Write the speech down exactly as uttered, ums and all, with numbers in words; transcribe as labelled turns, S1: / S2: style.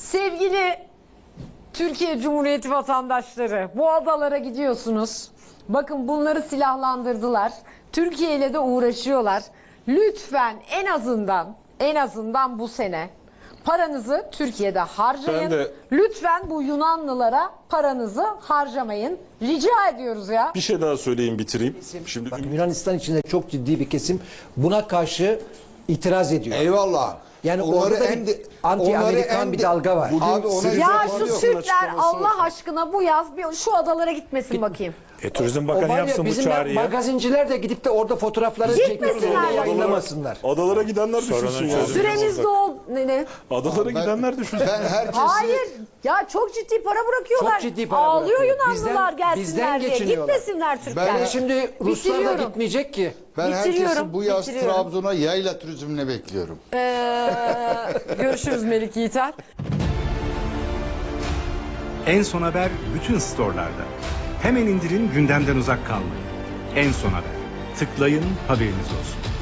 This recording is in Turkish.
S1: Sevgili Türkiye Cumhuriyeti vatandaşları, bu adalara gidiyorsunuz. Bakın bunları silahlandırdılar. Türkiye ile de uğraşıyorlar. Lütfen en azından en azından bu sene paranızı Türkiye'de harcayın.
S2: De,
S1: Lütfen bu Yunanlılara paranızı harcamayın. Rica ediyoruz ya.
S2: Bir şey daha söyleyeyim, bitireyim. Şimdi
S3: Bak, Yunanistan içinde çok ciddi bir kesim buna karşı itiraz ediyor.
S4: Eyvallah.
S3: Yani
S4: Onları
S3: orada da
S4: en de-
S3: anti-Amerikan
S4: onları en
S3: bir
S4: de-
S3: dalga var.
S4: Bugün Abi ona
S2: Sirius
S1: Ya
S2: Bakanı
S1: şu
S2: yapsın,
S1: Türkler
S2: açıklaması
S1: Allah
S2: olsun.
S1: aşkına bu yaz bir şu adalara gitmesin bakayım.
S5: E, Turizm
S3: O
S5: Bakanı
S3: var ya,
S5: yapsın bu
S3: bizim
S5: çağrıyı.
S3: magazinciler de gidip de orada fotoğrafları çekip
S1: Gitmesinler.
S3: yayınlamasınlar.
S2: adalara gidenler
S5: Sorunun
S2: düşünsün ya.
S5: çözümü.
S1: Süremiz dol... Ne, ne?
S2: Adalara
S4: Ben-
S2: gidenler düşünsün.
S4: Ben herkesi...
S1: Hayır. Ya çok ciddi para bırakıyorlar.
S3: Çok ciddi para
S1: Ağlıyor
S3: bırakıyor.
S1: Yunanlılar
S3: Bizden-
S1: gelsinler
S3: bizden
S1: diye.
S3: geçiniyorlar.
S1: Gitmesinler Türkler.
S3: Yani şimdi Ruslar da
S1: Bitiriyorum.
S3: gitmeyecek ki.
S4: Ben
S1: Bitiriyorum,
S4: herkesi bu yaz
S1: bitiriyorum.
S4: Trabzon'a yayla turizmine bekliyorum.
S1: Ee, görüşürüz Melik Yiğiter.
S6: En Son Haber bütün storelarda. Hemen indirin, gündemden uzak kalmayın. En Son Haber. Tıklayın, haberiniz olsun.